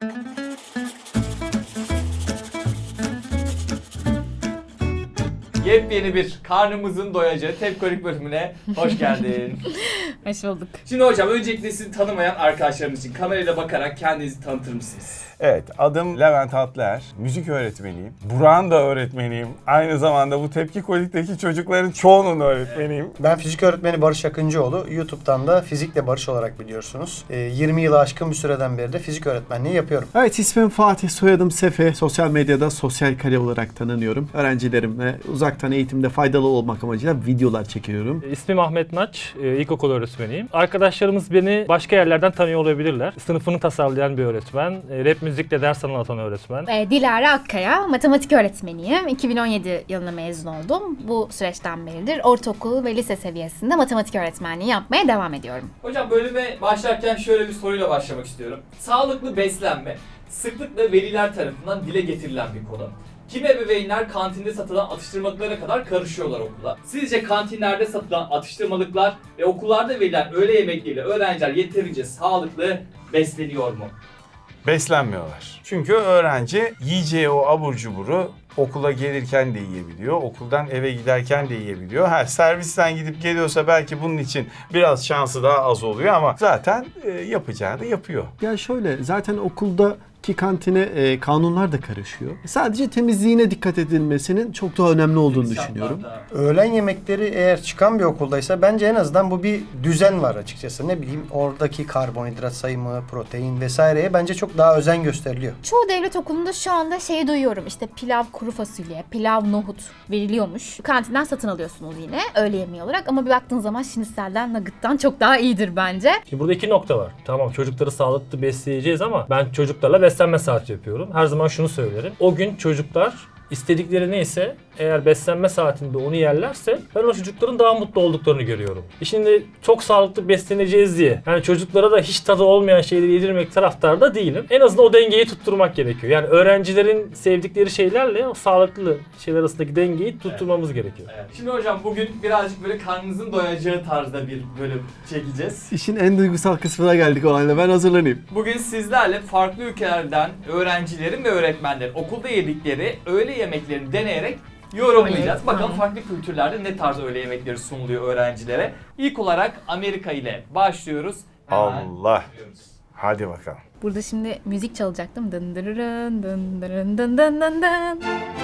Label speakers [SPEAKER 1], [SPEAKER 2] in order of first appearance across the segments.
[SPEAKER 1] Yepyeni bir karnımızın doyacağı tepkolik bölümüne hoş geldin.
[SPEAKER 2] Hoş bulduk.
[SPEAKER 1] Şimdi hocam öncelikle sizi tanımayan arkadaşlarımız için kamerayla bakarak kendinizi tanıtır mısınız?
[SPEAKER 3] Evet, adım Levent Atlıer. Müzik öğretmeniyim. Burak'ın da öğretmeniyim. Aynı zamanda bu Tepkikolik'teki çocukların çoğunun öğretmeniyim.
[SPEAKER 4] Ben fizik öğretmeni Barış Akıncıoğlu. YouTube'dan da Fizikle Barış olarak biliyorsunuz. 20 yılı aşkın bir süreden beri de fizik öğretmenliği yapıyorum.
[SPEAKER 5] Evet, ismim Fatih, soyadım Sefe. Sosyal medyada sosyal kare olarak tanınıyorum. Öğrencilerimle uzaktan eğitimde faydalı olmak amacıyla videolar çekiyorum.
[SPEAKER 6] İsmim Ahmet Naç, ilkokul öğretmeniyim. Arkadaşlarımız beni başka yerlerden tanıyor olabilirler. Sınıfını tasarlayan bir öğretmen, rap müzikle ders anlatan öğretmen.
[SPEAKER 2] Dilara Akkaya, matematik öğretmeniyim. 2017 yılında mezun oldum. Bu süreçten beridir ortaokul ve lise seviyesinde matematik öğretmenliği yapmaya devam ediyorum.
[SPEAKER 1] Hocam bölüme başlarken şöyle bir soruyla başlamak istiyorum. Sağlıklı beslenme sıklıkla veliler tarafından dile getirilen bir konu. Kimi ebeveynler kantinde satılan atıştırmalıklara kadar karışıyorlar okula. Sizce kantinlerde satılan atıştırmalıklar ve okullarda verilen öğle yemekleriyle öğrenciler yeterince sağlıklı besleniyor mu?
[SPEAKER 3] Beslenmiyorlar. Çünkü öğrenci yiyeceği o abur cuburu okula gelirken de yiyebiliyor. Okuldan eve giderken de yiyebiliyor. Servisten gidip geliyorsa belki bunun için biraz şansı daha az oluyor ama zaten yapacağını yapıyor.
[SPEAKER 5] Ya şöyle, zaten okuldaki kantine kanunlar da karışıyor. Sadece temizliğine dikkat edilmesinin çok daha önemli olduğunu düşünüyorum.
[SPEAKER 4] Öğlen yemekleri eğer çıkan bir okuldaysa bence en azından bu bir düzen var açıkçası. Ne bileyim oradaki karbonhidrat sayımı, protein vesaireye bence çok daha özen gösteriliyor.
[SPEAKER 2] Çoğu devlet okulunda şu anda şeyi duyuyorum. İşte pilav kuru fasulye, pilav nohut veriliyormuş. Kantinden satın alıyorsunuz yine öğle yemeği olarak ama bir baktığın zaman şinitselden, nugget'tan çok daha iyidir bence.
[SPEAKER 6] Şimdi burada iki nokta var. Tamam, çocukları sağlıklı besleyeceğiz ama ben çocuklarla beslenme saati yapıyorum. Her zaman şunu söylerim. O gün çocuklar istedikleri neyse, eğer beslenme saatinde onu yerlerse ben o çocukların daha mutlu olduklarını görüyorum. Şimdi çok sağlıklı besleneceğiz diye yani çocuklara da hiç tadı olmayan şeyleri yedirmek taraftarda değilim. En azından o dengeyi tutturmak gerekiyor. Yani öğrencilerin sevdikleri şeylerle o sağlıklı şeyler arasındaki dengeyi tutturmamız gerekiyor.
[SPEAKER 1] Evet. Şimdi hocam bugün birazcık böyle karnınızın doyacağı tarzda bir bölüm çekeceğiz.
[SPEAKER 5] İşin en duygusal kısmına geldik olayla. Ben hazırlanayım.
[SPEAKER 1] Bugün sizlerle farklı ülkelerden öğrencilerin ve öğretmenlerin okulda yedikleri öğle yemeklerini deneyerek yorumlayacağız.
[SPEAKER 2] Evet,
[SPEAKER 1] Bakalım
[SPEAKER 2] tamam.
[SPEAKER 1] farklı kültürlerde ne tarz öğle yemekleri sunuluyor öğrencilere. İlk olarak Amerika ile başlıyoruz. Hemen
[SPEAKER 3] Allah.
[SPEAKER 1] başlıyoruz.
[SPEAKER 3] Hadi bakalım.
[SPEAKER 2] Burada şimdi müzik çalacak değil mi? Dın dırırın, dın dırın, dın dın dın dın.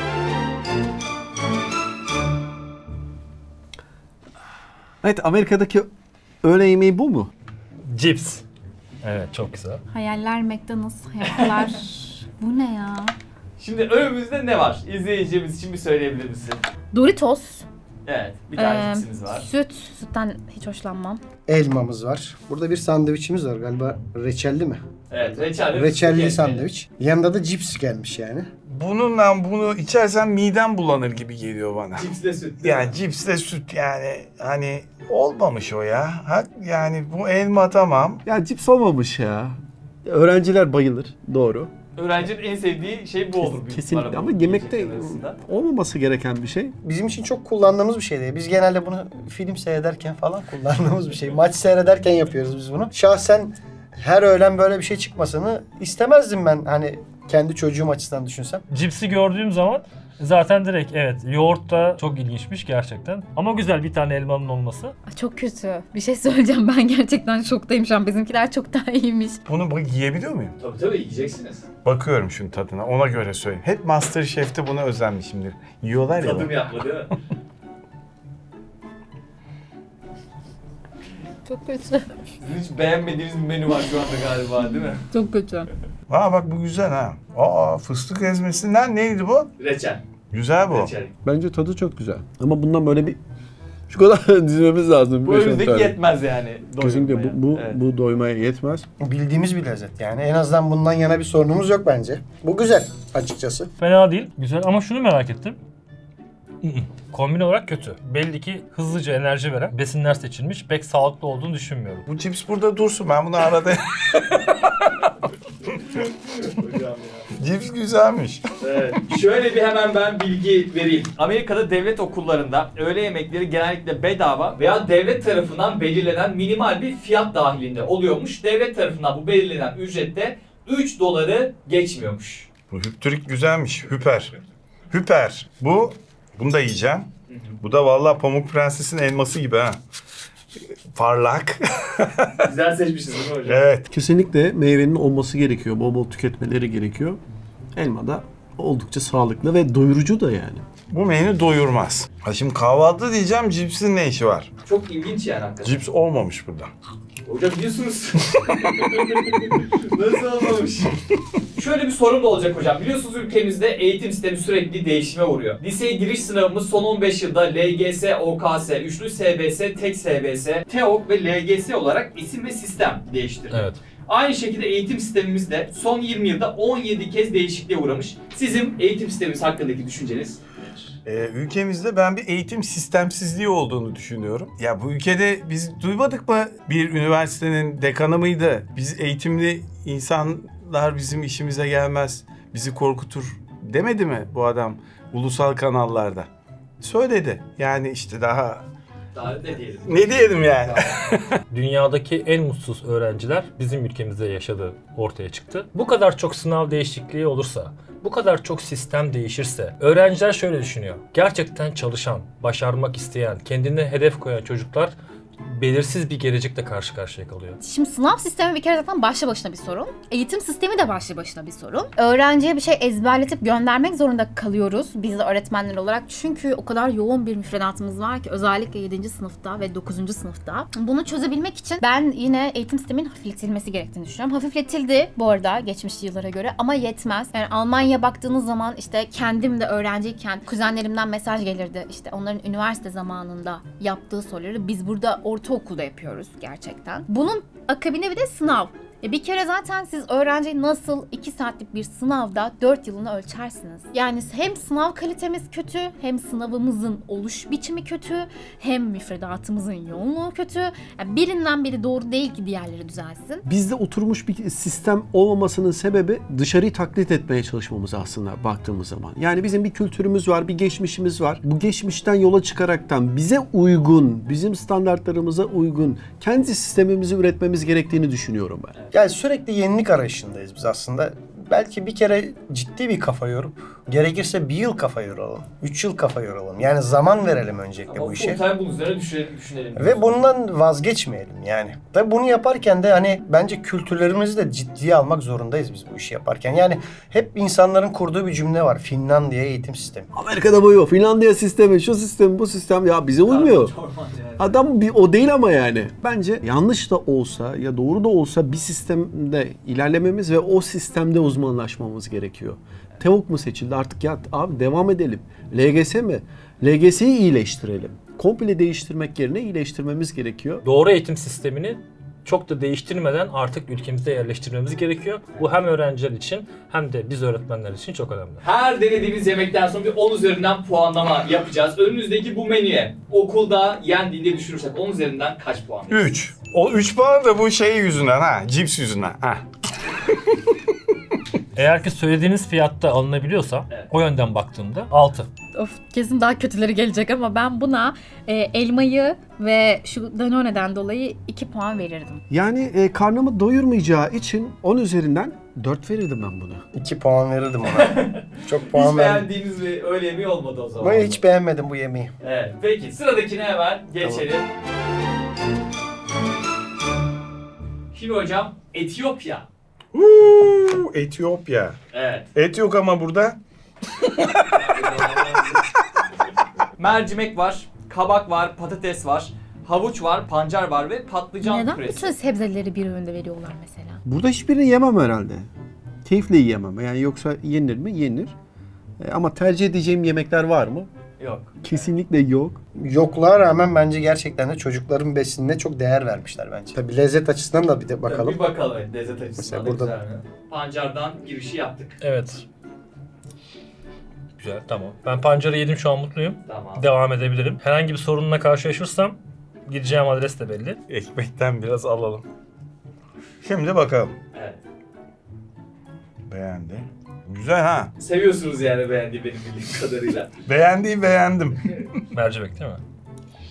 [SPEAKER 5] Evet, Amerika'daki öğle yemeği bu mu?
[SPEAKER 6] Cips. Evet, çok güzel.
[SPEAKER 2] Hayaller McDonald's, hayatlar. Bu ne ya?
[SPEAKER 1] Şimdi önümüzde ne var? İzleyicimiz için bir söyleyebilir misin?
[SPEAKER 2] Doritos.
[SPEAKER 1] Evet, bir tane cipsimiz var.
[SPEAKER 2] Sütten hiç hoşlanmam.
[SPEAKER 4] Elmamız var. Burada bir sandviçimiz var galiba reçelli mi?
[SPEAKER 1] Evet, reçelli.
[SPEAKER 4] Reçelli sandviç. Yanında da cips gelmiş yani.
[SPEAKER 3] Bununla bunu içersen midem bulanır gibi geliyor bana.
[SPEAKER 1] Cipsle süt. değil mi?
[SPEAKER 3] Yani cipsle süt yani hani olmamış o ya. Yani bu elma tamam.
[SPEAKER 5] Ya cips olmamış ya. Öğrenciler bayılır, doğru.
[SPEAKER 1] Öğrencinin en sevdiği şey bu olur. büyük
[SPEAKER 5] Kesinlikle
[SPEAKER 1] ihtimalle
[SPEAKER 5] ama
[SPEAKER 1] bu
[SPEAKER 5] yemekte
[SPEAKER 1] yiyecekler arasında.
[SPEAKER 5] olmaması gereken bir şey.
[SPEAKER 4] Bizim için çok kullandığımız bir şey değil. Biz genelde bunu film seyrederken falan kullandığımız bir şey. Maç seyrederken yapıyoruz biz bunu. Şahsen her öğlen böyle bir şey çıkmasını istemezdim ben. Hani kendi çocuğum açısından düşünsem.
[SPEAKER 6] Cipsi gördüğüm zaman zaten direkt evet, yoğurt da çok ilginçmiş gerçekten. Ama güzel bir tane elmanın olması.
[SPEAKER 2] Ay, çok kötü. Bir şey söyleyeceğim, ben gerçekten şoktayım şu an. Bizimkiler çok daha iyiymiş.
[SPEAKER 3] Bunu bak yiyebiliyor muyum?
[SPEAKER 1] Tabii yiyeceksiniz.
[SPEAKER 3] Bakıyorum şunun tadına, ona göre söyleyeyim. Hep MasterChef'te buna özenmişimdir. Yiyorlar ya.
[SPEAKER 1] Tadım yapma değil mi?
[SPEAKER 2] Çok kötü.
[SPEAKER 1] Sizin hiç beğenmediğiniz bir menü var şu anda galiba değil mi?
[SPEAKER 2] Çok kötü.
[SPEAKER 3] Aa bak bu güzel ha. Aa fıstık ezmesinden neydi bu?
[SPEAKER 1] Reçel.
[SPEAKER 3] Güzel bu.
[SPEAKER 1] Reçel.
[SPEAKER 5] Bence tadı çok güzel. Ama bundan böyle bir şu kadar dizmemiz lazım.
[SPEAKER 1] Bu önümüzdeki yetmez yani.
[SPEAKER 5] Kesinlikle
[SPEAKER 1] doyurmaya. Evet.
[SPEAKER 5] bu doymaya yetmez.
[SPEAKER 4] Bildiğimiz bir lezzet yani. En azından bundan yana bir sorunumuz yok bence. Bu güzel açıkçası.
[SPEAKER 6] Fena değil, güzel ama şunu merak ettim. Kombin olarak kötü. Belli ki hızlıca enerji veren besinler seçilmiş. Pek sağlıklı olduğunu düşünmüyorum.
[SPEAKER 3] Bu cips burada dursun, ben bunu arada...
[SPEAKER 1] Hocam ya.
[SPEAKER 3] Cips güzelmiş.
[SPEAKER 1] Evet. Şöyle bir hemen ben bilgi vereyim. Amerika'da devlet okullarında öğle yemekleri genellikle bedava veya devlet tarafından belirlenen minimal bir fiyat dahilinde oluyormuş. Devlet tarafından bu belirlenen ücrette 3 doları geçmiyormuş.
[SPEAKER 3] Bu hüptürik güzelmiş. Hüper. Hüper. Bunu da yiyeceğim. Bu da vallahi Pamuk Prenses'in elması gibi ha. Parlak.
[SPEAKER 1] Güzel seçmişiz değil mi hocam?
[SPEAKER 3] Evet.
[SPEAKER 5] Kesinlikle meyvenin olması gerekiyor. Bol bol tüketmeleri gerekiyor. Elma da oldukça sağlıklı ve doyurucu da yani.
[SPEAKER 3] Bu menü doyurmaz. Ha şimdi kahvaltı diyeceğim, cipsin ne işi var?
[SPEAKER 1] Çok ilginç yani hakikaten.
[SPEAKER 3] Cips olmamış burada.
[SPEAKER 1] Hocam biliyorsunuz. Nasıl olmamış? Şöyle bir sorum da olacak hocam. Biliyorsunuz ülkemizde eğitim sistemi sürekli değişime uğruyor. Liseye giriş sınavımız son 15 yılda LGS, OKS, üçlü SBS, tek SBS, TEOK ve LGS olarak isim ve sistem değiştirdi.
[SPEAKER 6] Evet.
[SPEAKER 1] Aynı şekilde eğitim sistemimiz de son 20 yılda 17 kez değişikliğe uğramış. Sizin eğitim sistemimiz hakkındaki düşünceniz nedir?
[SPEAKER 3] Ülkemizde ben bir eğitim sistemsizliği olduğunu düşünüyorum. Ya bu ülkede biz duymadık mı, bir üniversitenin dekanı mıydı? Biz eğitimli insanlar bizim işimize gelmez, bizi korkutur demedi mi bu adam ulusal kanallarda? Söyledi. Yani işte daha
[SPEAKER 1] Daha ne diyelim?
[SPEAKER 3] ne diyelim yani?
[SPEAKER 6] Dünyadaki en mutsuz öğrenciler bizim ülkemizde yaşadığı ortaya çıktı. Bu kadar çok sınav değişikliği olursa, bu kadar çok sistem değişirse, öğrenciler şöyle düşünüyor. Gerçekten çalışan, başarmak isteyen, kendine hedef koyan çocuklar belirsiz bir gelecekle karşı karşıya kalıyor.
[SPEAKER 2] Şimdi sınav sistemi bir kere zaten başlı başına bir sorun. Eğitim sistemi de başlı başına bir sorun. Öğrenciye bir şey ezberletip göndermek zorunda kalıyoruz biz de öğretmenler olarak. Çünkü o kadar yoğun bir müfredatımız var ki özellikle 7. sınıfta ve 9. sınıfta. Bunu çözebilmek için ben yine eğitim sisteminin hafifletilmesi gerektiğini düşünüyorum. Hafifletildi bu arada geçmiş yıllara göre ama yetmez. Yani Almanya'ya baktığınız zaman işte kendim de öğrenciyken kuzenlerimden mesaj gelirdi. İşte onların üniversite zamanında yaptığı soruları biz burada ortaokulda yapıyoruz gerçekten. Bunun akabinde bir de sınav. Bir kere zaten siz öğrenciyi nasıl 2 saatlik bir sınavda 4 yılını ölçersiniz? Yani hem sınav kalitemiz kötü, hem sınavımızın oluş biçimi kötü, hem müfredatımızın yoğunluğu kötü. Yani birinden biri doğru değil ki diğerleri düzelsin.
[SPEAKER 5] Bizde oturmuş bir sistem olmamasının sebebi dışarıyı taklit etmeye çalışmamız aslında baktığımız zaman. Yani bizim bir kültürümüz var, bir geçmişimiz var. Bu geçmişten yola çıkaraktan bize uygun, bizim standartlarımıza uygun kendi sistemimizi üretmemiz gerektiğini düşünüyorum ben.
[SPEAKER 4] Yani sürekli yenilik arayışındayız biz aslında. Belki bir kere ciddi bir kafa yorup, gerekirse 1 yıl kafa yoralım, 3 yıl kafa yoralım. Yani zaman verelim öncelikle
[SPEAKER 1] Ama
[SPEAKER 4] bu işe.
[SPEAKER 1] full time bunun üzerine düşünelim.
[SPEAKER 4] Ve bundan vazgeçmeyelim yani. Tabii bunu yaparken de hani bence kültürlerimizi de ciddiye almak zorundayız biz bu işi yaparken. Yani hep insanların kurduğu bir cümle var. Finlandiya eğitim sistemi.
[SPEAKER 5] Amerika'da bu yok. Finlandiya sistemi, şu sistem, bu sistem ya bize uymuyor. Adam bir o değil ama yani. Bence yanlış da olsa ya doğru da olsa bir sistemde ilerlememiz ve o sistemde uzmanlaşmamız gerekiyor. TEOK mu seçildi artık ya abi devam edelim. LGS mi? LGS'yi iyileştirelim. Komple değiştirmek yerine iyileştirmemiz gerekiyor.
[SPEAKER 6] Doğru eğitim sistemini çok da değiştirmeden artık ülkemizde yerleştirmemiz gerekiyor. Bu hem öğrenciler için hem de biz öğretmenler için çok önemli.
[SPEAKER 1] Her denediğimiz yemekten sonra bir 10 üzerinden puanlama yapacağız. Önümüzdeki bu menüye okulda yendiğinde düşünürsek 10 üzerinden kaç puan?
[SPEAKER 3] 3. O 3 puan da bu şey yüzünden ha, cips yüzünden ha.
[SPEAKER 6] Eğer ki söylediğiniz fiyatta alınabiliyorsa
[SPEAKER 1] Evet.
[SPEAKER 6] o yönden baktığımda 6.
[SPEAKER 2] Of kesin daha kötüleri gelecek ama ben buna elmayı ve şu Danone'den dolayı 2 puan verirdim.
[SPEAKER 5] Yani karnımı doyurmayacağı için 10 üzerinden 4 verirdim ben buna.
[SPEAKER 4] 2 puan verirdim ona. Çok puan
[SPEAKER 1] Hiç
[SPEAKER 4] verdim.
[SPEAKER 1] beğendiğiniz bir öğle yemeği olmadı o zaman.
[SPEAKER 4] Ben hiç beğenmedim bu yemeği.
[SPEAKER 1] Evet. Peki sıradakine hemen geçelim. Şimdi hocam Etiyopya.
[SPEAKER 3] Etiyopya.
[SPEAKER 1] Evet.
[SPEAKER 3] Et yok ama burada.
[SPEAKER 1] Mercimek var, kabak var, patates var, havuç var, pancar var ve patlıcan
[SPEAKER 2] Neden
[SPEAKER 1] püresi.
[SPEAKER 2] bütün sebzeleri bir öğünde veriyorlar mesela?
[SPEAKER 5] Burada hiçbirini yemem herhalde. Keyifle yiyemem. Yani yoksa yenir mi? Yenir. Ama tercih edeceğim yemekler var mı?
[SPEAKER 1] Yok.
[SPEAKER 5] Kesinlikle yok.
[SPEAKER 4] Yokluğa rağmen bence gerçekten de çocukların besinine çok değer vermişler bence. Tabii lezzet açısından da bir de bakalım.
[SPEAKER 1] Bir bakalım evet, lezzet açısından da
[SPEAKER 4] Mesela
[SPEAKER 1] güzel mi? Pancardan girişi yaptık.
[SPEAKER 6] Evet. Güzel, tamam. Ben pancarı yedim, şu an mutluyum.
[SPEAKER 1] Tamam.
[SPEAKER 6] Devam edebilirim. Herhangi bir sorunla karşılaşırsam gideceğim adres de belli.
[SPEAKER 3] Ekmekten biraz alalım. Şimdi bakalım.
[SPEAKER 1] Evet.
[SPEAKER 3] Beğendi. Güzel ha.
[SPEAKER 1] Seviyorsunuz yani beğendiği benim bildiğim kadarıyla.
[SPEAKER 3] Beğendim.
[SPEAKER 6] Mercimek değil mi?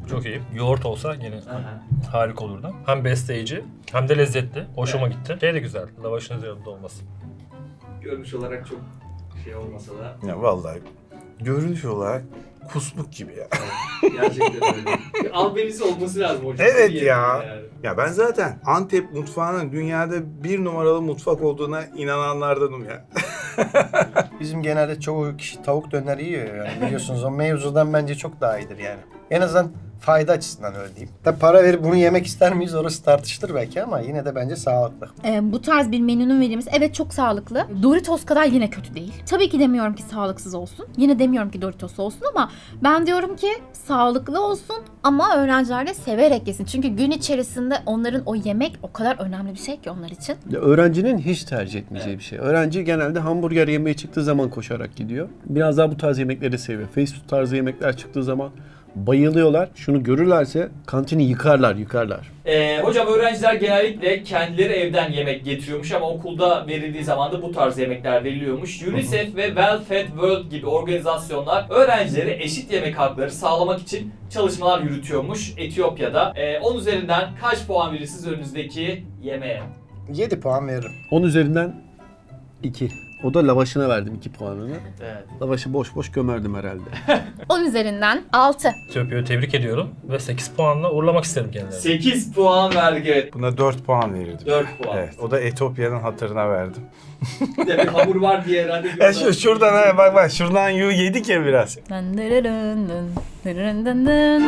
[SPEAKER 6] Çok iyi. Yoğurt olsa yine
[SPEAKER 1] Aha.
[SPEAKER 6] harika olurdu. Hem besleyici hem de lezzetli. Hoşuma gitti. Şey de güzel. Lavaşın üzerinde olması.
[SPEAKER 1] Görünüş olarak çok şey olmasa da
[SPEAKER 3] Ya vallahi görünüş olarak kusmuk gibi ya.
[SPEAKER 1] gerçekten öyle. Bir albenisi olması lazım hocam.
[SPEAKER 3] Evet
[SPEAKER 1] Bir
[SPEAKER 3] ya.
[SPEAKER 1] yemeğin yani.
[SPEAKER 3] Ya ben zaten Antep mutfağının dünyada 1 numaralı mutfak olduğuna inananlardanım ya.
[SPEAKER 4] Bizim genelde çoğu kişi tavuk döner yiyor yani biliyorsunuz o mevzudan bence çok daha iyidir yani. En azından fayda açısından öyle diyeyim. Tabi para verip bunu yemek ister miyiz orası tartışılır belki ama yine de bence sağlıklı.
[SPEAKER 2] Bu tarz bir menünün verilmesi evet çok sağlıklı. Doritos kadar yine kötü değil. Tabii ki demiyorum ki sağlıksız olsun. Yine demiyorum ki Doritos olsun ama ben diyorum ki sağlıklı olsun ama öğrenciler de severek yesin. Çünkü gün içerisinde onların o yemek o kadar önemli bir şey ki onlar için.
[SPEAKER 5] Ya öğrencinin hiç tercih etmeyeceği bir şey. Öğrenci genelde hamburger yemeye çıktığı zaman koşarak gidiyor. Biraz daha bu tarz yemekleri seviyor. Fast food tarzı yemekler çıktığı zaman bayılıyorlar. Şunu görürlerse kantini yıkarlar.
[SPEAKER 1] Hocam öğrenciler genellikle kendileri evden yemek getiriyormuş ama okulda verildiği zaman da bu tarz yemekler veriliyormuş. UNICEF ve Well Fed World gibi organizasyonlar öğrencilere eşit yemek hakları sağlamak için çalışmalar yürütüyormuş Etiyopya'da. 10 üzerinden kaç puan verirsiniz önünüzdeki yemeğe?
[SPEAKER 4] 7 puan veririm.
[SPEAKER 5] 10 üzerinden 2. O da lavaşına verdim 2 puanını.
[SPEAKER 1] Evet.
[SPEAKER 5] Lavaşı boş boş gömerdim herhalde.
[SPEAKER 2] 10 üzerinden 6.
[SPEAKER 6] Etiyopya'yı tebrik ediyorum ve 8 puanla uğurlamak isterim kendilerini.
[SPEAKER 1] 8 puan verdik evet.
[SPEAKER 3] Buna 4 puan verirdim.
[SPEAKER 1] 4 puan.
[SPEAKER 3] Evet, o da Etiyopya'nın hatırına verdim.
[SPEAKER 1] Demek hamur var diye herhalde.
[SPEAKER 3] Şuradan bak şuradan yedik ya biraz.
[SPEAKER 2] Dın dırırın dın, dırırın dın dın.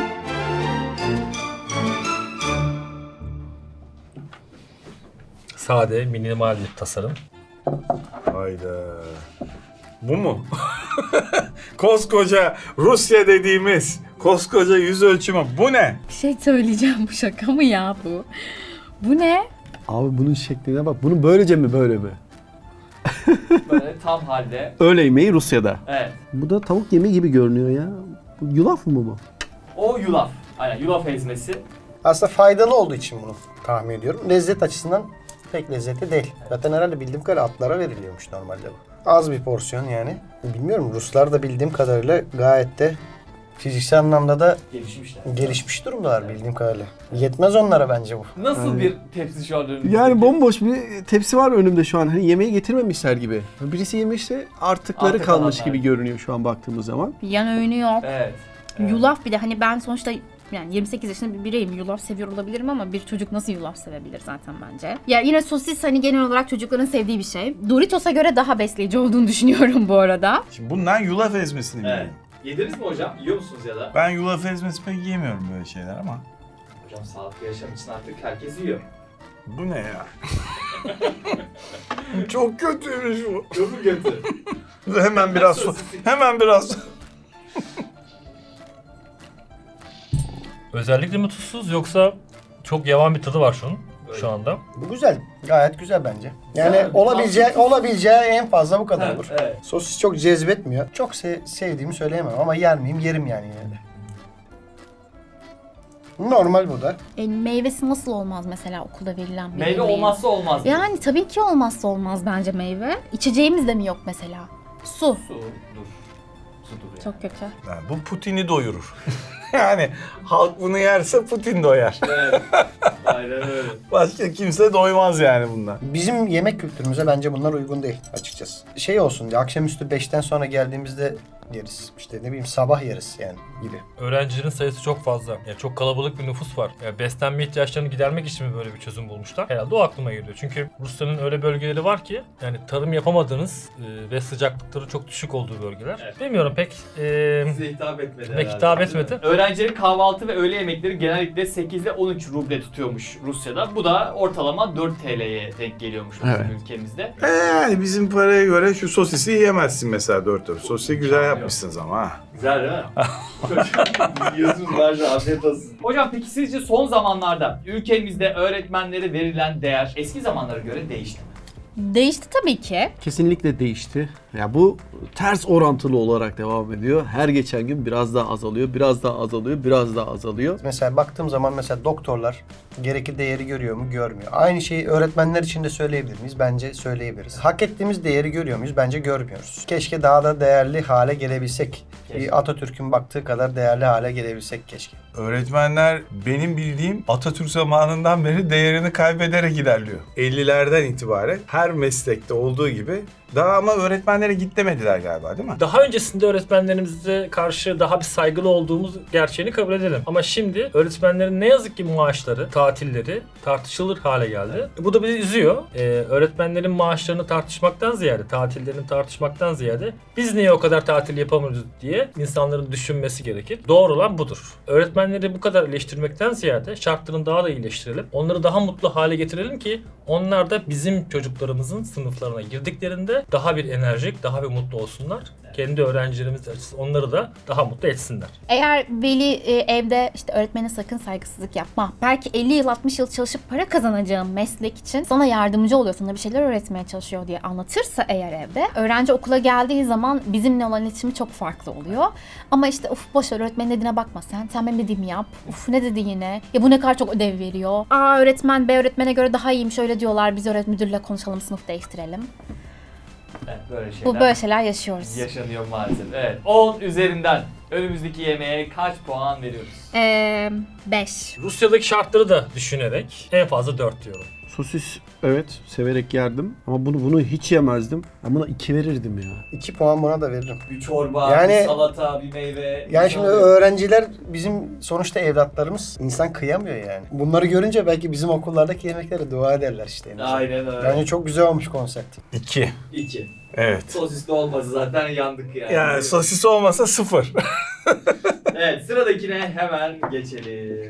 [SPEAKER 6] Sade, minimal bir tasarım.
[SPEAKER 3] Hayda. Bu mu? Koskoca Rusya dediğimiz koskoca yüz ölçümü bu ne?
[SPEAKER 2] Bir şey söyleyeceğim, bu şaka mı ya bu? Bu ne?
[SPEAKER 5] Abi bunun şekline bak. Bunu böylece mi böyle mi?
[SPEAKER 1] Böyle tam halde.
[SPEAKER 5] Öğle yemeği Rusya'da.
[SPEAKER 1] Evet.
[SPEAKER 5] Bu da tavuk yemeği gibi görünüyor ya. Bu yulaf mı bu?
[SPEAKER 1] O yulaf. Aynen yulaf ezmesi.
[SPEAKER 4] Aslında faydalı olduğu için bunu tahmin ediyorum. Lezzet açısından pek lezzetli değil. Zaten herhalde bildiğim kadarıyla atlara veriliyormuş normalde bu. Az bir porsiyon yani. Bilmiyorum Ruslar da bildiğim kadarıyla gayet de fiziksel anlamda da
[SPEAKER 1] Gelişmişler.
[SPEAKER 4] gelişmiş durumdalar bildiğim kadarıyla. Yetmez onlara bence bu.
[SPEAKER 1] Nasıl bir tepsi şu an önünüzdeki?
[SPEAKER 5] Yani bomboş bir tepsi var önümde şu an. Hani yemeği getirmemişler gibi. Birisi yemişse artıkları
[SPEAKER 1] Artık
[SPEAKER 5] kalmış
[SPEAKER 1] kalanlar.
[SPEAKER 5] gibi görünüyor şu an baktığımız zaman.
[SPEAKER 2] Yan öğünü yok.
[SPEAKER 1] Evet. Evet.
[SPEAKER 2] Yulaf bir de hani ben sonuçta yani 28 yaşında bir bireyim. Yulaf seviyor olabilirim ama bir çocuk nasıl yulaf sevebilir zaten bence. Ya yine sosis hani genel olarak çocukların sevdiği bir şey. Doritos'a göre daha besleyici olduğunu düşünüyorum bu arada.
[SPEAKER 3] Şimdi bundan yulaf ezmesini
[SPEAKER 1] Evet.
[SPEAKER 3] bileyim.
[SPEAKER 1] Yediniz mi hocam? Yiyor musunuz ya da?
[SPEAKER 3] Ben yulaf ezmesi pek yiyemiyorum böyle şeyler ama.
[SPEAKER 1] Hocam sağlıklı yaşam için artık herkes yiyor.
[SPEAKER 3] Bu ne ya? Çok kötüymüş bu.
[SPEAKER 1] Çok mu kötü?
[SPEAKER 3] Hemen biraz su. Hemen biraz su.
[SPEAKER 6] Özellikle mi tuzsuz yoksa çok yavan bir tadı var şunun
[SPEAKER 1] Öyle.
[SPEAKER 6] şu anda.
[SPEAKER 4] Bu güzel. Gayet güzel bence. Yani
[SPEAKER 1] Güzel.
[SPEAKER 4] olabileceği en fazla bu kadar olur.
[SPEAKER 1] Evet.
[SPEAKER 4] Sosis çok cezbetmiyor. Çok sevdiğimi söyleyemem ama yer miyim? Yerim yani yine de. Normal bu da.
[SPEAKER 2] Meyvesi nasıl olmaz mesela okulda verilen bir
[SPEAKER 1] Meyve
[SPEAKER 2] yemeğin?
[SPEAKER 1] olmazsa olmaz.
[SPEAKER 2] Yani tabii ki olmazsa olmaz bence meyve. İçeceğimiz de mi yok mesela? Su.
[SPEAKER 1] Su. Dur. Sudur yani.
[SPEAKER 2] Çok kötü.
[SPEAKER 3] Yani bu Putin'i doyurur. Yani halk bunu yerse Putin doyar.
[SPEAKER 1] Evet. Aynen öyle.
[SPEAKER 3] Başka kimse doymaz yani bundan.
[SPEAKER 4] Bizim yemek kültürümüze bence bunlar uygun değil açıkçası. Şey olsun diye akşamüstü 5'ten sonra geldiğimizde yeriz. İşte ne bileyim sabah yeriz yani gibi.
[SPEAKER 6] Öğrencilerin sayısı çok fazla. Yani çok kalabalık bir nüfus var. Yani beslenme ihtiyaçlarını gidermek için mi böyle bir çözüm bulmuşlar? Herhalde o aklıma geliyor. Çünkü Rusya'nın öyle bölgeleri var ki yani tarım yapamadığınız ve sıcaklıkları çok düşük olduğu bölgeler.
[SPEAKER 1] Evet.
[SPEAKER 6] Bilmiyorum pek
[SPEAKER 1] Size hitap etmedi
[SPEAKER 6] Pek
[SPEAKER 1] herhalde,
[SPEAKER 6] hitap
[SPEAKER 1] değil mi?
[SPEAKER 6] etmedi.
[SPEAKER 1] Öğrencilerin kahvaltı ve öğle yemekleri genellikle 8 ile 13 ruble tutuyormuş Rusya'da. Bu da ortalama 4 TL'ye denk geliyormuş bizim
[SPEAKER 5] Evet.
[SPEAKER 1] ülkemizde.
[SPEAKER 3] Yani bizim paraya göre şu sosisi yiyemezsin mesela 4 dört. Sosisi güzel yapmışsınız ama ha.
[SPEAKER 1] Güzel değil mi? Yiyorsunuz bence afiyet olsun. Hocam peki sizce son zamanlarda ülkemizde öğretmenlere verilen değer eski zamanlara göre değişti mi?
[SPEAKER 2] Değişti tabii ki.
[SPEAKER 5] Kesinlikle değişti. Ya bu ters orantılı olarak devam ediyor. Her geçen gün biraz daha azalıyor, biraz daha azalıyor, biraz daha azalıyor.
[SPEAKER 4] Mesela baktığım zaman mesela doktorlar gerekli değeri görüyor mu? Görmüyor. Aynı şeyi öğretmenler için de söyleyebilir miyiz? Bence söyleyebiliriz. Hak ettiğimiz değeri görüyor muyuz? Bence görmüyoruz. Keşke daha da değerli hale gelebilsek. Bir Atatürk'ün baktığı kadar değerli hale gelebilsek keşke.
[SPEAKER 3] Öğretmenler benim bildiğim Atatürk zamanından beri değerini kaybederek ilerliyor. 50'lerden itibaren her meslekte olduğu gibi daha ama öğretmenlere git demediler galiba değil mi?
[SPEAKER 6] Daha öncesinde öğretmenlerimize karşı daha bir saygılı olduğumuz gerçeğini kabul edelim. Ama şimdi öğretmenlerin ne yazık ki maaşları, tatilleri tartışılır hale geldi. Bu da bizi üzüyor. Öğretmenlerin maaşlarını tartışmaktan ziyade, tatillerini tartışmaktan ziyade biz niye o kadar tatil yapamıyoruz diye insanların düşünmesi gerekir. Doğru olan budur. Öğretmenleri bu kadar eleştirmekten ziyade şartlarını daha da iyileştirelim. Onları daha mutlu hale getirelim ki onlar da bizim çocuklarımızın sınıflarına girdiklerinde daha bir enerjik, daha bir mutlu olsunlar. Kendi öğrencilerimiz açısından onları da daha mutlu etsinler.
[SPEAKER 2] Eğer veli evde işte öğretmene sakın saygısızlık yapma. Belki 50 yıl 60 yıl çalışıp para kazanacağın meslek için sana yardımcı oluyor, sana bir şeyler öğretmeye çalışıyor diye anlatırsa eğer evde, öğrenci okula geldiği zaman bizimle olan iletişimi çok farklı oluyor. Ama işte uf boş ver, öğretmenin dediğine bakma sen benim dediğimi yap. Uf ne dedi yine? Ya bu ne kadar çok ödev veriyor. Aa öğretmen B öğretmene göre daha iyiymiş öyle diyorlar. Biz öğretmen müdürle konuşalım, sınıf değiştirelim.
[SPEAKER 1] Evet, böyle şeyler.
[SPEAKER 2] Bu böyle şeyler yaşıyoruz.
[SPEAKER 1] Yaşanıyor maalesef. Evet. 10 üzerinden önümüzdeki yemeğe kaç puan veriyoruz?
[SPEAKER 2] 5.
[SPEAKER 6] Rusya'daki şartları da düşünerek en fazla 4 diyorum.
[SPEAKER 5] Sosis evet severek yerdim ama bunu hiç yemezdim. Ben buna 2 verirdim ya.
[SPEAKER 4] 2 puan buna da veririm.
[SPEAKER 1] Bir çorba,
[SPEAKER 4] Yani-
[SPEAKER 1] bir salata, bir meyve.
[SPEAKER 4] Yani
[SPEAKER 1] bir
[SPEAKER 4] şimdi
[SPEAKER 1] salata.
[SPEAKER 4] öğrenciler bizim sonuçta evlatlarımız. İnsan kıyamıyor yani. Bunları görünce belki bizim okullardaki yemeklere dua ederler işte. en azından.
[SPEAKER 1] Aynen öyle.
[SPEAKER 4] Bence çok güzel olmuş konsept.
[SPEAKER 3] 2.
[SPEAKER 1] 2.
[SPEAKER 3] Evet.
[SPEAKER 1] Sosisli olmasa zaten yandık yani.
[SPEAKER 3] Yani sosis olmasa 0.
[SPEAKER 1] Evet, sıradakine hemen geçelim.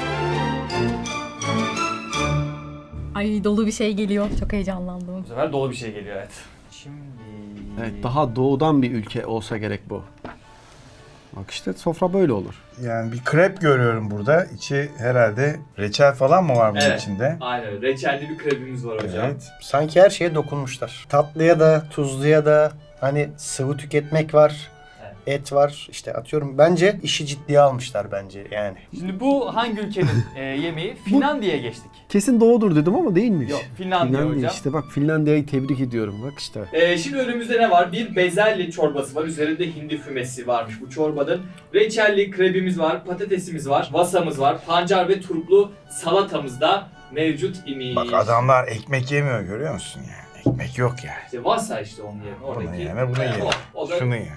[SPEAKER 2] Ay dolu bir şey geliyor. Çok heyecanlandım.
[SPEAKER 1] Bu sefer dolu bir şey geliyor evet. Şimdi...
[SPEAKER 5] Evet, daha doğudan bir ülke olsa gerek bu. Bak işte sofra böyle olur.
[SPEAKER 3] Yani bir krep görüyorum burada. İçi herhalde reçel falan mı var bunun
[SPEAKER 1] Evet.
[SPEAKER 3] içinde?
[SPEAKER 1] Aynen öyle. Reçelli bir krebimiz var hocam.
[SPEAKER 3] Evet.
[SPEAKER 4] Sanki her şeye dokunmuşlar. Tatlıya da, tuzluya da hani sıvı tüketmek var.
[SPEAKER 1] Evet.
[SPEAKER 4] Et var. İşte atıyorum. Bence işi ciddiye almışlar bence yani.
[SPEAKER 1] Şimdi bu hangi ülkenin yemeği? Finlandiya'ya geçtik.
[SPEAKER 5] Kesin doğudur dedim ama değilmiş.
[SPEAKER 1] Yok, Finlandiya hocam.
[SPEAKER 5] işte bak Finlandiya'yı tebrik ediyorum bak işte.
[SPEAKER 1] Şimdi önümüzde ne var? Bir bezelye çorbası var. Üzerinde hindi fümesi varmış bu çorbanın. Reçelli krebimiz var, patatesimiz var, vasamız var, pancar ve turplu salatamız da mevcut imiş.
[SPEAKER 3] Bak adamlar ekmek yemiyor görüyor musun yani? Ekmek yok yani.
[SPEAKER 1] İşte vasa işte onun yerine oradaki.
[SPEAKER 3] Bunu yeme bunu ye.
[SPEAKER 1] O da
[SPEAKER 3] Şunu ye.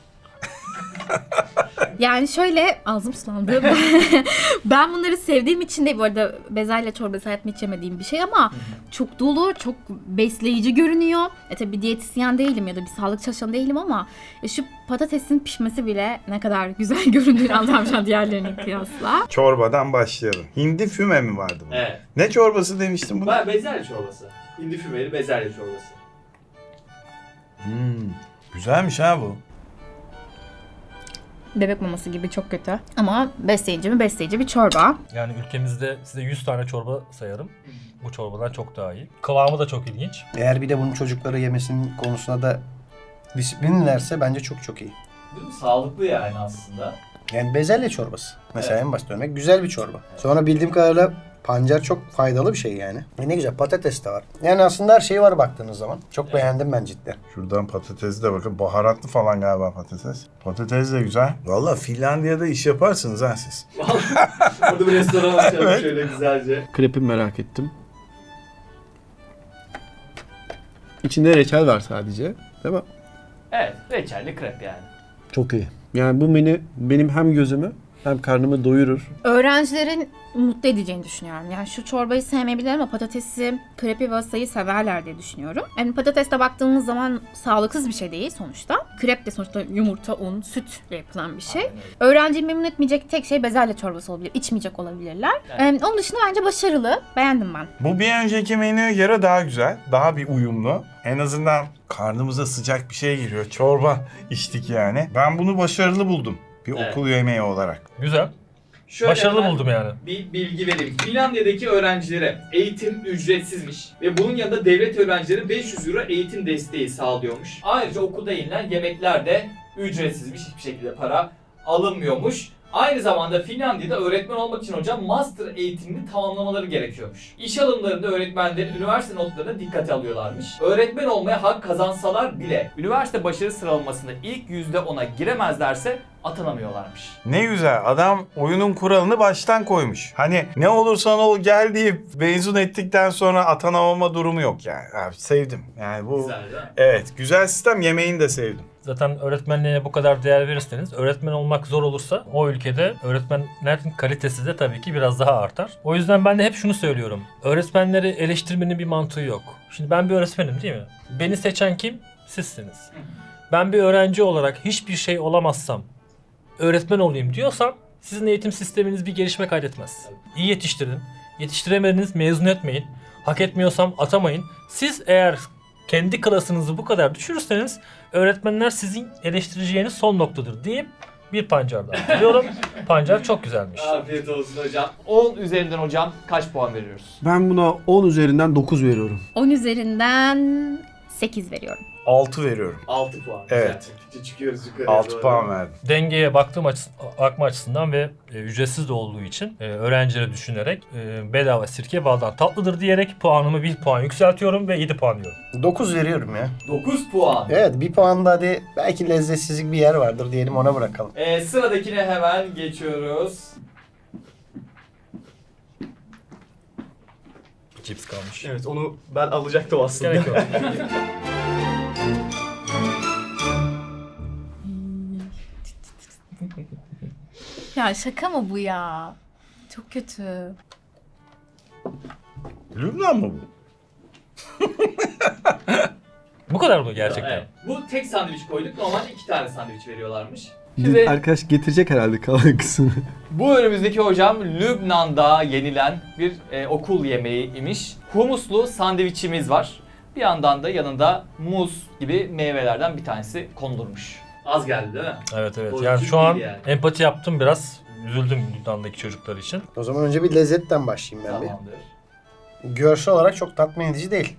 [SPEAKER 2] Yani şöyle ağzım sulandı. Ben bunları sevdiğim için de bu arada bezelye çorbası hayatımda hiç yemediğim bir şey ama çok dolu, çok besleyici görünüyor. Tabii diyetisyen değilim ya da bir sağlık çalışanı değilim ama şu patatesin pişmesi bile ne kadar güzel göründüğünü anlamışım diğerlerine kıyasla.
[SPEAKER 3] Çorbadan başlayalım. Hindi füme mi vardı bu?
[SPEAKER 1] Evet.
[SPEAKER 3] Ne çorbası demiştin buna?
[SPEAKER 1] Ben bezelye çorbası. Hindi fümeli bezelye çorbası.
[SPEAKER 3] Güzelmiş ha bu.
[SPEAKER 2] Bebek maması gibi çok kötü. Ama besleyici mi? Besleyici bir çorba.
[SPEAKER 6] Yani ülkemizde size 100 tane çorba sayarım. Bu çorbadan çok daha iyi. Kıvamı da çok ilginç.
[SPEAKER 4] Eğer bir de bunun çocukları yemesinin konusuna da disiplinlerse bence çok çok iyi.
[SPEAKER 1] Değil mi? Sağlıklı yani aslında.
[SPEAKER 4] Yani bezelye çorbası. Mesela
[SPEAKER 1] Evet.
[SPEAKER 4] en basit örnek güzel bir çorba. Sonra bildiğim kadarıyla pancar çok faydalı bir şey yani. Ne güzel patates de var. Yani aslında her şey var baktığınız zaman. Çok beğendim ben cidden.
[SPEAKER 3] Şuradan patatesi de bakın. Baharatlı falan galiba patates. Patates de güzel. Valla Finlandiya'da iş yaparsınız ha siz.
[SPEAKER 1] Orada bir restoran açalım
[SPEAKER 3] Evet.
[SPEAKER 1] şöyle güzelce.
[SPEAKER 5] Krepi merak ettim. İçinde reçel var sadece. Değil mi?
[SPEAKER 1] Evet, reçelli krep yani.
[SPEAKER 5] Çok iyi. Yani bu menü benim hem gözümü hem karnımı doyurur.
[SPEAKER 2] Öğrencilerin mutlu edeceğini düşünüyorum. Yani şu çorbayı sevmeyebilirler ama patatesi, krepi ve vasayı severler diye düşünüyorum. Yani patateste baktığımız zaman sağlıksız bir şey değil sonuçta. Krep de sonuçta yumurta, un, sütle yapılan bir şey.
[SPEAKER 1] Aynen öyle.
[SPEAKER 2] Öğrenciyi memnun etmeyecek tek şey bezelye çorbası olabilir. İçmeyecek olabilirler.
[SPEAKER 1] Evet.
[SPEAKER 2] Onun dışında bence başarılı. Beğendim ben.
[SPEAKER 3] Bu bir önceki menüye göre daha güzel. Daha bir uyumlu. En azından karnımıza sıcak bir şey giriyor. Çorba içtik yani. Ben bunu başarılı buldum. Bir
[SPEAKER 1] Evet.
[SPEAKER 3] okul yemeği olarak.
[SPEAKER 6] Güzel.
[SPEAKER 1] Şöyle
[SPEAKER 6] Başarılı
[SPEAKER 1] hemen
[SPEAKER 6] buldum yani.
[SPEAKER 1] bir bilgi vereyim. Finlandiya'daki öğrencilere eğitim ücretsizmiş ve bunun yanında devlet öğrencilere 500 euro eğitim desteği sağlıyormuş. Ayrıca okulda yenilen yemekler de ücretsizmiş. Hiçbir şekilde para alınmıyormuş. Aynı zamanda Finlandiya'da öğretmen olmak için hocam master eğitimini tamamlamaları gerekiyormuş. İş alımlarında öğretmenlerin üniversite notlarına dikkate alıyorlarmış. Öğretmen olmaya hak kazansalar bile üniversite başarı sıralamasında ilk %10'a giremezlerse atanamıyorlarmış.
[SPEAKER 3] Ne güzel, adam oyunun kuralını baştan koymuş. Hani ne olursan ol gel deyip mezun ettikten sonra atanamama durumu yok yani. Abi sevdim. Yani bu
[SPEAKER 1] Güzel değil mi?
[SPEAKER 3] evet, güzel sistem, yemeğini de sevdim.
[SPEAKER 6] Zaten öğretmenliğe bu kadar değer verirseniz, öğretmen olmak zor olursa o ülkede öğretmenlerin kalitesi de tabii ki biraz daha artar. O yüzden ben de hep şunu söylüyorum. Öğretmenleri eleştirmenin bir mantığı yok. Şimdi ben bir öğretmenim değil mi? Beni seçen kim? Sizsiniz. Ben bir öğrenci olarak hiçbir şey olamazsam, öğretmen olayım diyorsam sizin eğitim sisteminiz bir gelişme kaydetmez. İyi yetiştirin. Yetiştiremediniz mezun etmeyin. Hak etmiyorsam atamayın. Siz eğer kendi klasınızı bu kadar düşürürseniz öğretmenler sizin eleştireceğiniz son noktadır deyip bir pancar daha biliyorum. Pancar çok güzelmiş.
[SPEAKER 1] Afiyet olsun hocam. 10 üzerinden hocam kaç puan veriyoruz?
[SPEAKER 5] Ben buna 10 üzerinden 9 veriyorum.
[SPEAKER 2] 10 üzerinden 8 veriyorum.
[SPEAKER 3] 6 veriyorum.
[SPEAKER 1] 6 puan.
[SPEAKER 3] Evet.
[SPEAKER 1] Güzel. Çıkıyoruz yukarı.
[SPEAKER 3] 6 puan verdim.
[SPEAKER 6] Dengeye bakma açısından ve ücretsiz de olduğu için öğrencileri düşünerek bedava sirke baldan tatlıdır diyerek puanımı 1 puan yükseltiyorum ve 7 puan diyorum.
[SPEAKER 4] 9 veriyorum ya.
[SPEAKER 1] 9 puan.
[SPEAKER 4] Evet, bir puan da hadi belki lezzetsizlik bir yer vardır diyelim, ona bırakalım.
[SPEAKER 1] Sıradakine hemen geçiyoruz.
[SPEAKER 6] Cips kalmış.
[SPEAKER 7] Evet, onu ben alacaktım aslında.
[SPEAKER 6] Gerek yok.
[SPEAKER 2] Ya şaka mı bu ya? Çok kötü.
[SPEAKER 3] Lübnan mı bu?
[SPEAKER 6] Bu kadar mı gerçekten?
[SPEAKER 1] Evet. Bu tek sandviç koyduk. Normalde 2 tane sandviç veriyorlarmış. Şimdi
[SPEAKER 5] Arkadaş getirecek herhalde kalan kısmını.
[SPEAKER 1] bu önümüzdeki hocam Lübnan'da yenilen bir okul yemeği imiş. Humuslu sandviçimiz var. Bir yandan da yanında muz gibi meyvelerden bir tanesi konulurmuş. Az geldi değil mi?
[SPEAKER 6] Evet evet.
[SPEAKER 1] Boyutu
[SPEAKER 6] Yani şu an
[SPEAKER 1] değil yani.
[SPEAKER 6] empati yaptım biraz. Üzüldüm Lübnan'daki çocuklar için.
[SPEAKER 4] O zaman önce bir lezzetten başlayayım ben
[SPEAKER 1] Tamamdır.
[SPEAKER 4] bir. Görsel olarak çok tatmin edici değil.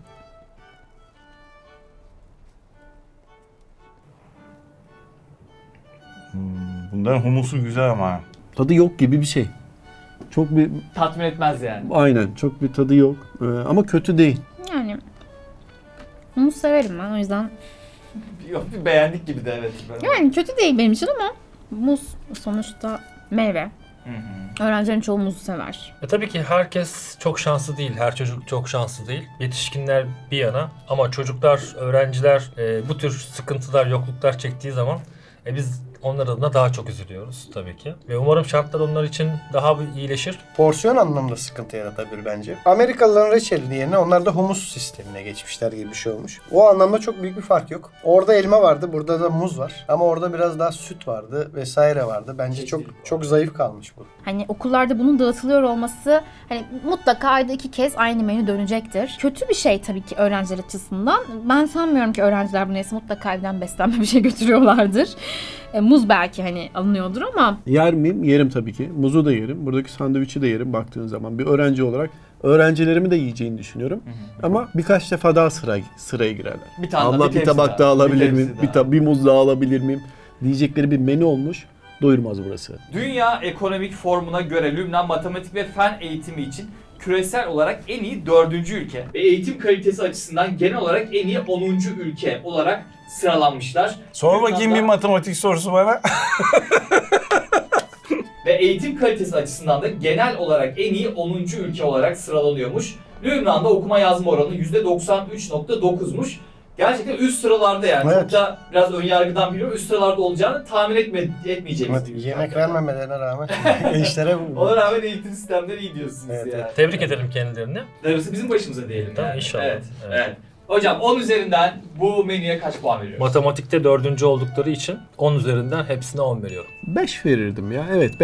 [SPEAKER 3] Bunların humusu güzel ama.
[SPEAKER 5] Tadı yok gibi bir şey. Çok bir
[SPEAKER 1] Tatmin etmez yani.
[SPEAKER 5] aynen çok bir tadı yok. Ama kötü değil.
[SPEAKER 2] Yani humus severim ben o yüzden.
[SPEAKER 1] Yok, bir beğendik gibi de evet.
[SPEAKER 2] Yani kötü değil benim için ama muz sonuçta meyve.
[SPEAKER 1] Hı hı.
[SPEAKER 2] Öğrencilerin çoğu muzu sever.
[SPEAKER 6] Tabii ki herkes çok şanslı değil. Her çocuk çok şanslı değil. Yetişkinler bir yana ama çocuklar, öğrenciler bu tür sıkıntılar, yokluklar çektiği zaman biz onlar adına daha çok üzülüyoruz tabii ki. Ve umarım şartlar onlar için daha bir iyileşir.
[SPEAKER 4] Porsiyon anlamında sıkıntı yaratabilir bence. Amerikalıların reçeli yerine onlar da humus sistemine geçmişler gibi bir şey olmuş. O anlamda çok büyük bir fark yok. Orada elma vardı, burada da muz var. Ama orada biraz daha süt vardı vesaire vardı. Bence çok zayıf kalmış bu.
[SPEAKER 2] Hani okullarda bunun dağıtılıyor olması hani mutlaka ayda 2 kez aynı menü dönecektir. Kötü bir şey tabii ki öğrenciler açısından. Ben sanmıyorum ki öğrenciler bu neyse mutlaka evden beslenme bir şey götürüyorlardır. Muz belki hani alınıyordur ama
[SPEAKER 5] Yer miyim? Yerim tabii ki. Muzu da yerim. Buradaki sandviçi de yerim baktığın zaman. Bir öğrenci olarak öğrencilerimi de yiyeceğini düşünüyorum. Ama birkaç defa daha sıraya girerler.
[SPEAKER 1] Bir tane
[SPEAKER 5] Abla bir
[SPEAKER 1] tepsi
[SPEAKER 5] tabak daha alabilir
[SPEAKER 1] bir
[SPEAKER 5] miyim?
[SPEAKER 1] tepsi
[SPEAKER 5] Bir muz daha alabilir miyim? Diyecekleri bir menü olmuş. Doyurmaz burası.
[SPEAKER 1] Dünya Ekonomik Forumu'na göre Lübnan matematik ve fen eğitimi için küresel olarak en iyi 4. ülke. Ve eğitim kalitesi açısından genel olarak en iyi 10. ülke olarak sıralanmışlar.
[SPEAKER 3] Sor bakayım bir matematik sorusu bana.
[SPEAKER 1] Ve eğitim kalitesi açısından da genel olarak en iyi 10. ülke olarak sıralanıyormuş. Lübnan'da okuma yazma oranı %93.9'muş. Gerçekten üst sıralarda yani.
[SPEAKER 4] Evet.
[SPEAKER 1] Çok da biraz önyargıdan biliyorum. Üst sıralarda olacağını tahmin etmeyeceğimiz
[SPEAKER 4] Evet,
[SPEAKER 1] bir
[SPEAKER 4] yemek
[SPEAKER 1] ülke.
[SPEAKER 4] vermemelerine rağmen gençlere bu.
[SPEAKER 1] Ona rağmen eğitim sistemleri iyi diyorsunuz
[SPEAKER 4] Evet,
[SPEAKER 1] ya.
[SPEAKER 6] Tebrik edelim kendilerini.
[SPEAKER 1] Darısı bizim başımıza diyelim
[SPEAKER 6] Tamam,
[SPEAKER 1] yani.
[SPEAKER 6] inşallah.
[SPEAKER 1] Evet,
[SPEAKER 6] Evet.
[SPEAKER 1] evet. Hocam 10 üzerinden bu menüye kaç puan veriyoruz?
[SPEAKER 6] Matematikte 4. oldukları için 10 üzerinden hepsine 10 veriyorum.
[SPEAKER 5] 5 verirdim ya. Evet 5.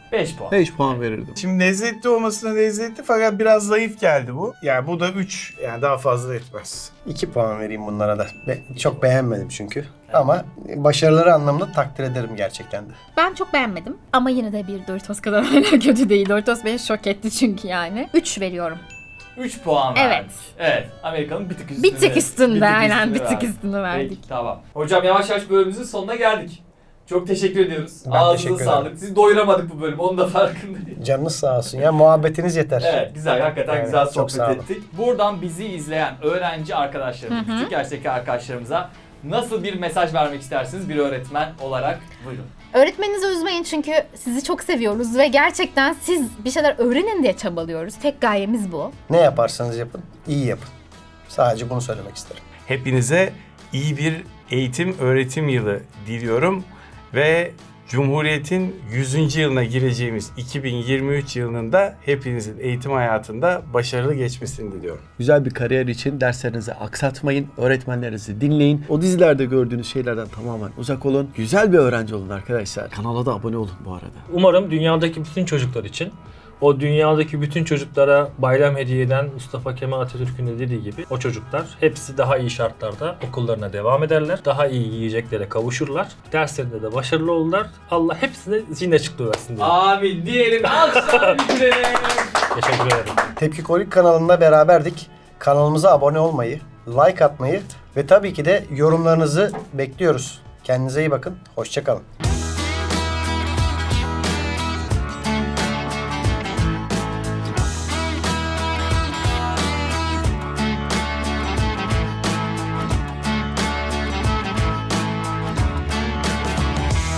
[SPEAKER 1] 5 puan.
[SPEAKER 5] 5 puan verirdim.
[SPEAKER 3] Şimdi lezzetli olmasına lezzetli fakat biraz zayıf geldi bu. Yani bu da 3, yani daha fazla etmez.
[SPEAKER 4] 2 puan vereyim bunlara da. Çok beğenmedim çünkü. Ama başarıları anlamında takdir ederim gerçekten de.
[SPEAKER 2] Ben çok beğenmedim ama yine de bir Doritos kadar hala kötü değil. Doritos beni şok etti çünkü yani. 3 veriyorum.
[SPEAKER 1] 3 puan
[SPEAKER 2] Evet.
[SPEAKER 1] verdik. Evet. Amerika'nın bir tık üstünde.
[SPEAKER 2] Bir tık üstünde aynen bir tık
[SPEAKER 1] verdik.
[SPEAKER 2] üstünde verdik.
[SPEAKER 1] Peki, tamam. Hocam yavaş yavaş bölümümüzün sonuna geldik. Çok teşekkür ediyoruz.
[SPEAKER 4] Ben
[SPEAKER 1] Ağzınıza
[SPEAKER 4] teşekkür
[SPEAKER 1] sağlık.
[SPEAKER 4] ederim.
[SPEAKER 1] Sizi doyuramadık bu bölüm. Onun da farkındayım.
[SPEAKER 4] Canınız sağ olsun ya. Muhabbetiniz yeter.
[SPEAKER 1] Evet, güzel. Hakikaten
[SPEAKER 4] Evet,
[SPEAKER 1] güzel
[SPEAKER 4] çok
[SPEAKER 1] sohbet
[SPEAKER 4] sağ olun.
[SPEAKER 1] ettik. Buradan bizi izleyen öğrenci arkadaşlarımız, küçük yaştaki arkadaşlarımıza nasıl bir mesaj vermek istersiniz bir öğretmen olarak? Buyurun.
[SPEAKER 2] Öğretmeninizi üzmeyin çünkü sizi çok seviyoruz ve gerçekten siz bir şeyler öğrenin diye çabalıyoruz. Tek gayemiz bu.
[SPEAKER 4] Ne yaparsanız yapın, iyi yapın. Sadece bunu söylemek isterim.
[SPEAKER 3] Hepinize iyi bir eğitim öğretim yılı diliyorum ve Cumhuriyet'in 100. yılına gireceğimiz 2023 yılının da hepinizin eğitim hayatında başarılı geçmesini diliyorum.
[SPEAKER 5] Güzel bir kariyer için derslerinizi aksatmayın, öğretmenlerinizi dinleyin. O dizilerde gördüğünüz şeylerden tamamen uzak olun. Güzel bir öğrenci olun arkadaşlar. Kanala da abone olun bu arada.
[SPEAKER 6] Umarım dünyadaki bütün çocuklar için, o dünyadaki bütün çocuklara bayram hediye eden Mustafa Kemal Atatürk'ün de dediği gibi o çocuklar hepsi daha iyi şartlarda okullarına devam ederler. Daha iyi yiyeceklere kavuşurlar. Derslerinde de başarılı olurlar. Allah hepsine zihin açıklığı versin diye.
[SPEAKER 1] Amin diyelim. Alkışlar bitirelim.
[SPEAKER 6] Teşekkür ederim.
[SPEAKER 4] Tepki Kolik kanalında beraberdik. Kanalımıza abone olmayı, like atmayı ve tabii ki de yorumlarınızı bekliyoruz. Kendinize iyi bakın. Hoşça kalın.